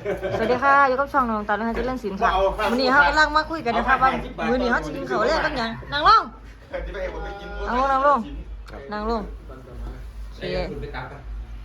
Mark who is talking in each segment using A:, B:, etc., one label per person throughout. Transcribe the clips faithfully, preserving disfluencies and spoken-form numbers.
A: สวัสดีค่ะอยู่กับช่องน้องตาลนะคะเจะเล่นสินค่ะวันนี้เขากำลังมาคุยกันนะคะว่ามื้อนี้เขาจะกินข้าวแรกกันยังนั่งลงนั่งลงนั่งลงนั่งลงโอเค
B: คุณไปตักกัน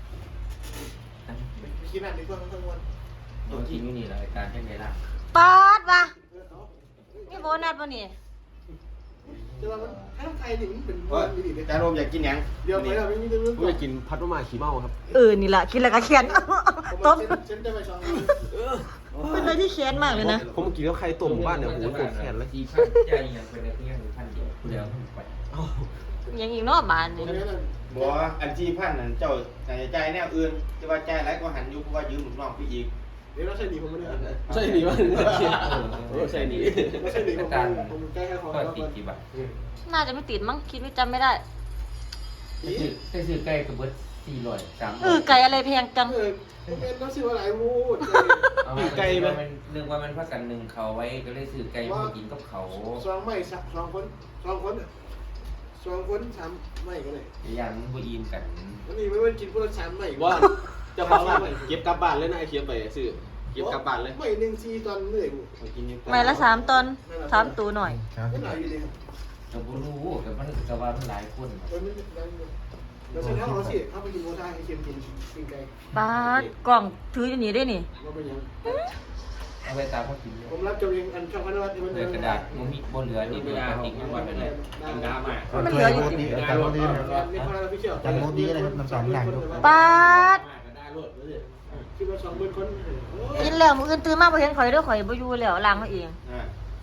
C: กินอะไรดีกว่าทั้งวัน
B: โดนกินนี่แหละการแข่งไงล่ะ
A: ปาดว่ะนี่โบนัสป่ะนี่
C: จะว่ามันถ้าไทยนี่มันเป็น
D: ว่า
C: วันดีเลย
D: จานโรมอยากกินยัง
C: เดี๋ยวไปเราไม่มีเรื่อง
E: ผมอยากกินพัดมะม่าขี้เมาครับ
A: เออนี่แหละกินแล้วก็เขียนต้ม
C: ฉันจะไปชอง
A: เป็นอะไรที่เขียนมากเลยนะ
E: ผมกินแล้วใครต้มบ้านเนี่ยโอ้โหปวดแขนเลย
B: จีพันใจยังเป็นอะไรที่ยังพันเดียวเดียวไป
A: ยังอีกเนอกบ้านนี่
D: บอกว่าอันที่พันนั่นเจ้าใจใจแนวอื่นจะว่าใจไรก็หันยุเพราะว่ายืมหนุนน้องไปอีก
C: เดี๋ยวเราใช่ดีผมไม่ได้
E: ใช่หนีวะเออใช่หนี
C: ไม่ใช่ดีผมผมใกล้แค่ของ
B: ก็
C: เรา
B: ติดกี่บาท
A: น่าจะไม่ติดมั้งคิดไม่จำไม่ได้
B: ใช้ซื้อไก่กระเบิดสี่ร้อยสาม
A: เออไก่อะไรแพงจัง
C: เออเป็นน้ำซิวอะไรมูด
B: ไก่มันเรื่องว่ามันพักกันหนึ่งเขาไว้ก็เลยซื้อไก่มากินกับเขา
C: สองไม่สักสองคนสองคนสองคนสามไม่ก็เลย
B: ยันผู้ยิมกัน
C: วันนี้ไม่ว่ากินพวกสามไม่
E: ว่าเจ้าของร้านเก็บกลับบ้านเลยนะไอ้เคียบไปซื้อเก็บกลับบ้านเลย
C: ไม่หนึ่งซีตอนเหนื่อย
E: ไปกินนี่
A: ไม่ละสามตอนสามตัวหน่อย
C: ก็หน่อยอยู่ดีครับ
B: กับผู้รู้กับมันกับว่ามันหลายคน
C: เออไม่ได้เราใช้เท้าเราสิเข้าไปกินโมท่าให้เค็มกินกินไก่
A: ปาดกล่องถืออยู่นี่ได้นี่
C: เราเป็นยัง
B: เอาไปตามเขากิน
C: ผมรับจำเองอันช่องพันวัตที่มัน
B: เลยกระดาษมันมีบนเหลือนี่เป็นปฏิกิริยาเป็นอะไรกินน้ำอ่ะ
A: มันเหลืออยู่
F: ดีอาจารย์โมดีนะครับ
C: นี่พอเราไปเที่ยว
F: จังโมดีเลยครับน้ำสองอย่างดู
A: ปาด
C: คิดว่าสองหมื่นคน
A: กินแล้วมื้ออื่นตื่นมาบ่เห็นข่อยเด้อข่อยบ่อยู่แล้วล้างเขาเอง
D: อ่า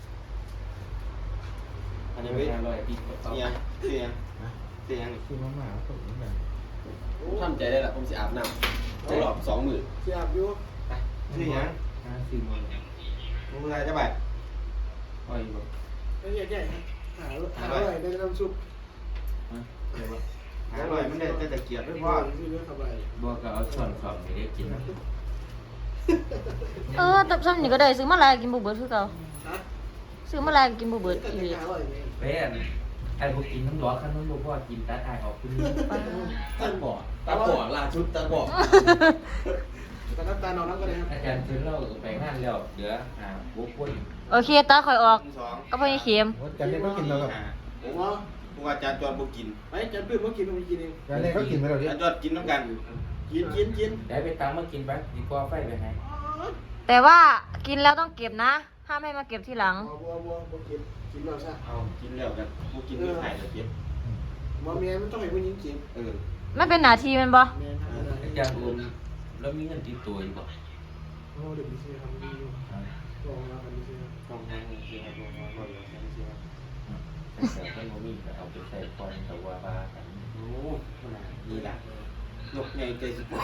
D: อันนี้
B: ไม่
D: ไม่
B: อร่อยดี
D: เสียงเสียงเสียง
F: คือมาม่าผมเหมือนกัน
E: ทำใจได้ละผมจะอาบน้ำจะหลอบสองหมื่น
C: เสียบอยู่
D: เสียง
B: ซื้อมา
D: มึงอะไรจะไป
B: อ้อยแบบ
C: ไม่ใช่ใช่หาหาอะไรได้น้ำซุป
D: หาอร่อยมันได้แต่ตะเกียบไม่พอ
C: ที่เรื่องสบาย
B: บัวก็เอาส่วนสองไม่ได้กินนะ
A: เออตับซ้ำนี่ก็ได้ซื้อมาหลายกินบ่เบิดคือเก่า
C: ฮะ
A: ซื้อมาหลายกินบ่เบิด
C: ก็
A: อี
C: จะ
A: หลี
C: หาอร่อยไง
B: เป๊ะไอ้พวกกินน้ำร้อนขั้นน้ำร้อนเพราะกินตาตายออกขึ้น
E: ตาบอดตาบอดลาชุดตาบอด
C: แต่น้ำตาลนอนน้ำก็ได้ครับ
B: อาจารย์เชิญเราไปงานแล้วเดี๋ยวหาบุกคน
A: โอเคตาข่อยออก
D: สอง
A: ก็พอยี่เข็ม
F: จันเล่ก็กินแล้วครับ
C: ผมว่า
D: กูอาจารย์จอดบุกิน
C: ไปจันเพื่อนมากินมากินเอง
F: จันเล่ก็กินไปแล้วดิ
D: อาจารย์จอดกินน้ำกัน
C: กินกินกิน
B: ได้ไปตามมากินไปดีกว่าไฟไปไหน
A: แต่ว่ากินแล้วต้องเก็บนะห้ามให้มาเก็บทีหลัง
C: บัวบัวบัวกินกินเราซะ
D: เอากินแล้วกันกูกินไม่ถ่ายเลยเจ็บ
C: มาเมียมันต้องให้ผู้หญิงกิน
D: เออ
A: ไม่เป็นหน้าที่แมันบ่
C: เมียทำอะไร
B: อาจารย์รวมแล้วมีเงินติดตัวอยู่บ่
C: โอ้เดี๋ยวมีซื้อทำดีอยู่ลองแล้วกันมีซื้อ
D: ต้องนั่งเสียลงมาบ่อยๆเสีย
B: แต่ท่านโมมี่ก็เอาไปใส่ก่อนแต่ว่าบ้ากัน
D: โอ้นี่แหละนกใหญ่ใจสุด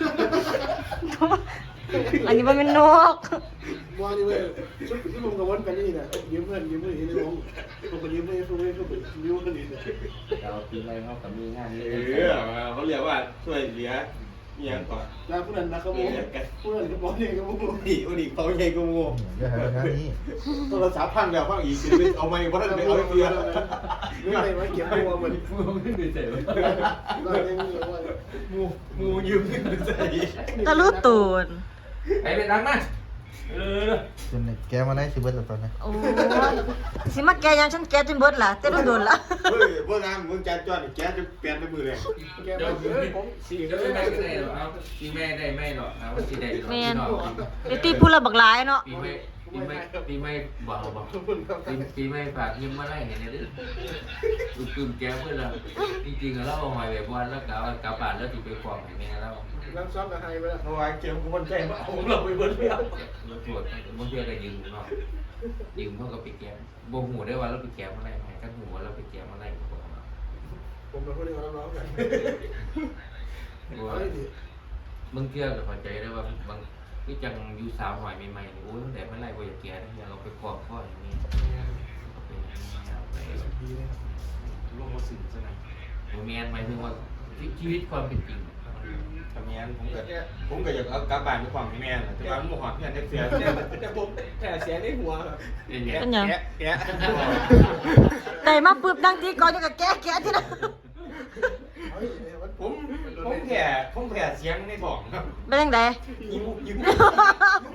A: อันนี้มันเป็นนก
C: บัวนี่เว้ยชุดที่ผมกับวันกันนี่นะยืมเงินยืมเงินที่ในวงผมก็ยืมเงินช่วยช่วยยืมเงินนี่นะ
B: เราปีใหม่เขากับมีงาน
D: เอ
B: เยอะ
D: อเขาเรียกว่าช่วยเหลือเมียก่อน
C: แล้วผู้นั้นนะครับผมผู้นั้นก็บอกนี่ก็บอก
D: นี่อุดิเขาใหญ่กูงู
F: เดี๋ยวหาทางนี้
D: โทรศัพท์พังแล้วพังอีกเอาไม่ว่าจะไปเอาเพื่อน
C: ไม่ได้มาเก็บตัวมัน
B: ฟูขึ้นไปเสร็จ
C: เรายังมีว่า
D: งูงูยืมเงินใส่
A: ตะลุตูน
B: ไปไปตังนะเออ
F: จนแกมาได้สิเบิร์ตตอนนี้
A: โอ้ยสิมาแกยังฉันแกจนเบิดล่ะแต่โดนๆล่ะ
D: เฮ้ยพวกนั้นมึงจัดจอดแกจะเปลี่ยนไปมือเลย
C: แกมาเฮ้ยผม
B: สี่ก็ไม่ได้ไม่ได้หรอกเอาปีแม่ได้ไม่หรอกเอาสี่ได้หรอก
A: แม่
B: พี่
A: น
B: น้อง
A: ไอ้ตีพูดละบักหลายเนาะ
B: ปีไม่ปีไม่ปีไม่เบาเบา
C: ขอบคุณครับ
B: ปีปีไม่ฝากยิ้มมาได้เห็นไหมดิตุ้มตุ้มแก้วเพื่อนเราจริงๆเราเอาหอยแบบวันแล้วกลับกลับบ้านแล้วติดไปควงอย่างเงี้ยแล้ว
C: น้ำซ้อมกับไฮไปแล้ว
D: เพราะว่าเกมกูมันใจมาเอาเราไปเบิ้ลเบี้ย
B: เราตรวจบางทีก็ยืมเนาะยืมเพื่อก็ไปแก้บ่หูได้ว่าเราไปแก้อะไรไหมกันหูว่าเราไปแก้อะไรก็บอก
C: ผมเป็นคนที่เขาร้องกัน
B: บางเที่ยวก็เข้าใจได้ว่าบางที่จังอยู่สาวหอยใหม่ๆโอ้ยแต่ไม่ไรบ่อยากแก้เนี่ยเราไปควงข้ออย่างนี้เป็นไป
D: ลงมาสื่อซะหน่อย
B: โมเมนต์หมายถึงว่าชีวิตความเป็นจริง
D: ทำงานผมก็ผมก็อยากเอากลับบ้านด้วยความแม่แต่ว่ามันหอดเพื่อนเสีย
C: แต่ผมแต่เสียในหัวครับ
B: เป็นไง
A: เป็นหยัง
D: แกะแกะ
A: ได้มาปึ๊บดังตีก่อนอยู่กับแกแกที่นั่น
D: ผมผมแผ่ผมแผ่เสียงในท้องครับ
A: เป็นจังได
D: ยิ้มยิ้ม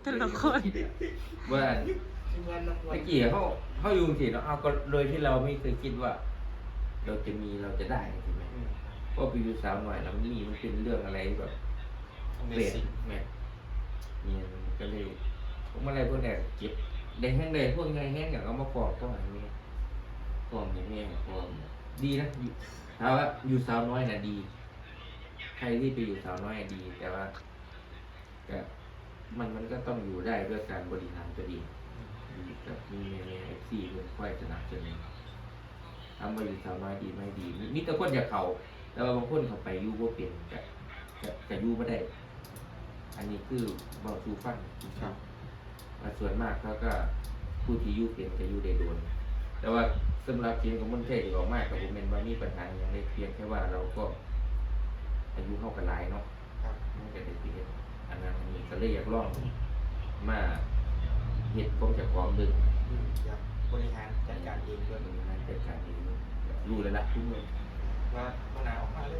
A: แต่ละคน
B: ว่า
C: ทีมงานนักวั
B: เมื่
C: น
B: อกี้เขาเขาอยู่สิเนาะเอาก็โดยที่เราไม่เคยคิดว่า เราจะมีเราจะได้ใช่ไหมเพราะไปอยู่สาวหน่อยแล้วนี่มันเป็นเรื่องอะไรแบบเปลี่ยนแม่เนี่ยก็เลยผมอะไรพวกนี้เก็บได้แห้งได้พวกไงแห้งอย่างเอามาปอกก็อย่างนี้ปอกอย่างนี้ปอกดีนะอยู่ถามว่าอยู่สาวน้อยน่ะดี ใครที่ไปอยู่สาวน้อยดี แต่ว่าก็มันมันก็ต้องอยู่ได้ด้วยการบริหารตัวเองกับมีมีเอฟซีเป็นค่อยสนับสนุนทำมาอยู่สาวน้อยดีไม่ดีมีแต่คนอยากเขาแต่ว่าบางคนเขาไปอยู่ว่าเปลี่ยนจะจะจะอยู่ไม่ได้ อันนี้คือบอกชูฟังครับส่วนมากเขาก็ผู้ที่อยู่เปลี่ยนจะอยู่ได้โดน แต่ว่าสำหรับเพียงของมันเทศออกมากกับผมเป็นว่ามีปัญหาอย่างไรเพียงแค่ว่าเราก็อายุเข้ากันหลายเนาะมันก็ได้เพียงอันนั้นอันนี้ก็เลยอยากลองมาเหตุของจากความดึง
D: อยากบริหารจัดการเองด้วย
B: มันงานจัดการเองรู้เลยละทุกเมื่อ
D: ว่าปัญหาออกมาเลย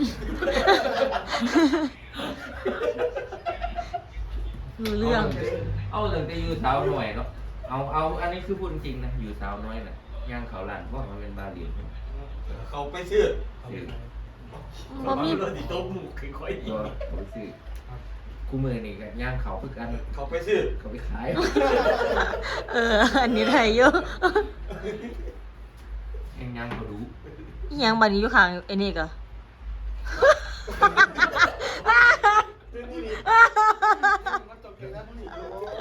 A: รู้เรื่อง
B: เอาเรื่องแต่อยู่สาวหน่อยเนาะเอาเอาอันนี้คือพูดจริงนะอยู่สาวน้อยน่ะย่างเขาหลานว่ามันเป็นบาเลียน
D: เขาไปซื้อ
B: ซื้อ
A: บ่มี
D: รถติดโต๊ะหมู่คือค่อย
B: ก็เขาไปซื้อคู่มือนี่ก็ย่างเขาคือกัน
D: เขาไปซื้อ
B: เขาไปขาย
A: เออ อันนี้ไทยเยอะ
B: ยังย่างเขารู้
A: อิหยังบัดนี้อยู่ข้างไอ้นี่ก็
C: คือนี่นี่มันตกใจนะผู้หญิง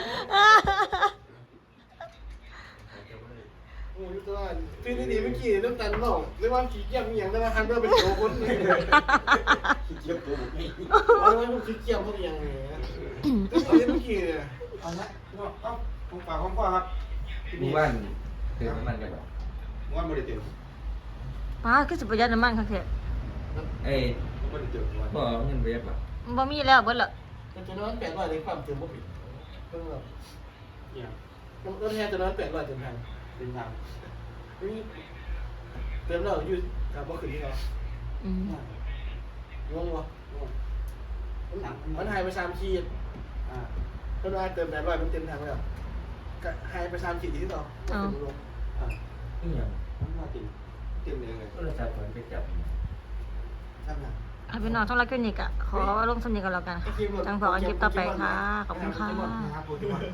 C: โอ้ยตัวคือนี่นี่เมื่อกี้น้ำตาลเมาเรียกว่าขี้เกียจมีอย่างแต่ว่าฮันเดอร์เป็นโจคนเลย
D: เกี่ยวกับนี่
C: เอาไว้มันขี้เกียจพวกอย่างเงี้ยเอาเมื่อกี้เนี่ย
D: เอาละเอาผมฝากของพ่อครับ
B: หมู่บ้านเติมน้ำมันกันแบบ
D: ม้วนบริเตอร์
A: ป้าคือสิประหยัดน้ำมันคักแท้
B: เอ้ย
D: บริเตอร์ม้วน
B: พ่อเอาเงินไปยักษ์ป่ะ
A: บ่มีแล้วเบิดละ
C: มันจะนอนแปดร้อยในความเติมบ่ผิดเพิ่งแบบ
D: เนี่ย
C: รถแท้จะนอนแปดร้อยเต็มทัน
D: เป็นทาง
C: นี่เติมแล้วอยู่กับบ่ขึ้นที่เรา
A: อืม
C: งงวะมันหายไปสามขีด
D: อ่า
C: เพิ่นว่าเติมแปดร้อยมันเต็มถังแล้วก็หายไปสามขีดที่ต่อ
D: อ่า
B: นี่อย่าง
D: น้ำมาติดเต็มเลยเลย
B: ก็เลยจับคนไปจับ
D: ท่านน่ะ
A: เอาพี่น้องทั้งรักคลินิกอ่ะขอลงสำเนียงกันแล้วกันค่ะจังพอกันคลิปต่อไปค่ะ ขอบคุณค่ะ